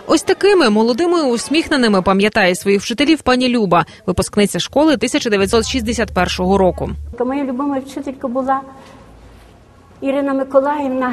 Ось такими молодими усміхненими пам'ятає своїх вчителів пані Люба, випускниця школи 1961 року. Моя любима вчителька була Ірина Миколаївна,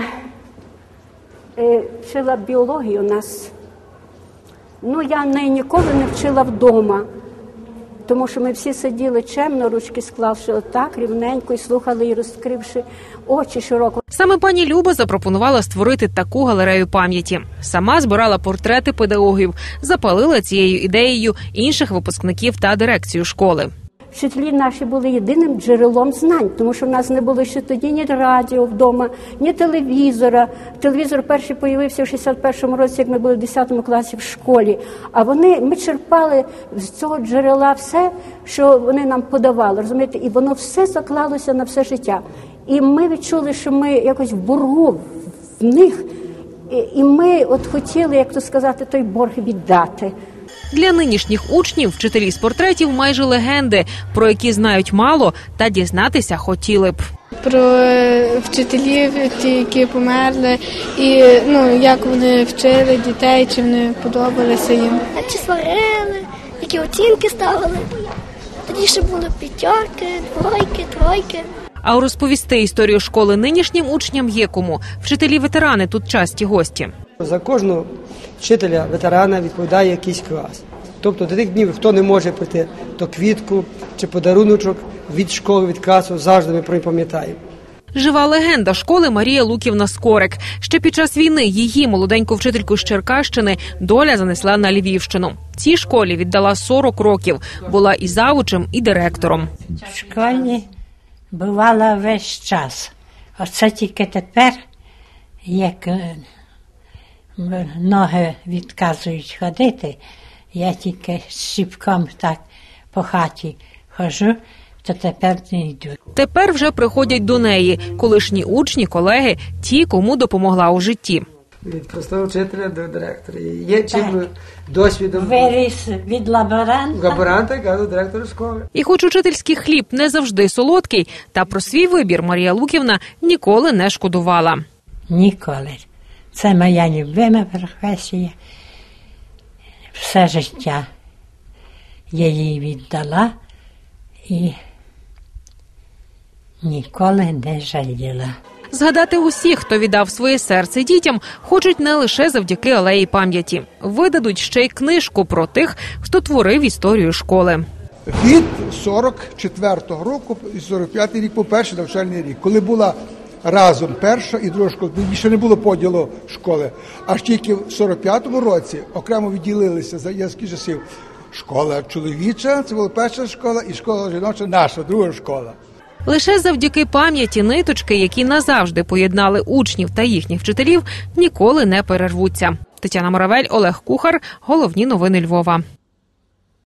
вчила біологію у нас. Я неї ніколи не вчила вдома, тому що ми всі сиділи чемно, ручки склавши отак, рівненько і слухали її, розкривши очі широко. Саме пані Люба запропонувала створити таку галерею пам'яті. Сама збирала портрети педагогів, запалила цією ідеєю інших випускників та дирекцію школи. Вчителі наші були єдиним джерелом знань, тому що в нас не було ще тоді ні радіо вдома, ні телевізора. Телевізор перший появився в 61-му році, як ми були в 10 класі в школі. А ми черпали з цього джерела все, що вони нам подавали, розумієте? І воно все заклалося на все життя. І ми відчули, що ми якось в боргу в них, і ми хотіли, як то сказати, той борг віддати. Для нинішніх учнів вчителі з портретів майже легенди, про які знають мало та дізнатися хотіли б. Про вчителів, ті, які померли, і як вони вчили дітей, чи вони подобалися їм. Чи сварили, які оцінки ставили. Тоді ще були п'ятерки, двойки, тройки. А розповісти історію школи нинішнім учням є кому. Вчителі-ветерани тут часті гості. За кожного вчителя-ветерана відповідає якийсь клас. Тобто до тих днів, хто не може прийти, то квітку чи подаруночок від школи, від класу завжди ми пам'ятаємо. Жива легенда школи Марія Луківна Скорик. Ще під час війни її, молоденьку вчительку з Черкащини, доля занесла на Львівщину. Цій школі віддала 40 років. Була і завучем, і директором. В школі бувала весь час. Оце тільки тепер, як ноги відказують ходити, я тільки щіпком так по хаті ходжу, то тепер не йду. Тепер вже приходять до неї колишні учні, колеги, ті, кому допомогла у житті. Від простого вчителя до директора. Є чим досвідом. Виріс від лаборанта до директора школи. І хоч учительський хліб не завжди солодкий, та про свій вибір Марія Луківна ніколи не шкодувала. Ніколи. Це моя любима професія. Все життя я їй віддала і ніколи не жаліла. Згадати усіх, хто віддав своє серце дітям, хочуть не лише завдяки алеї пам'яті. Видадуть ще й книжку про тих, хто творив історію школи. Від 44-го року і 45-й рік по перший навчальний рік, коли була разом перша і друга школа, тоді ще не було поділу школи. Аж тільки в 45-му році окремо відділилися за язки часів школа чоловіча, це була перша школа, і школа жіноча, наша друга школа. Лише завдяки пам'яті ниточки, які назавжди поєднали учнів та їхніх вчителів, ніколи не перервуться. Тетяна Моравель, Олег Кухар. Головні новини Львова.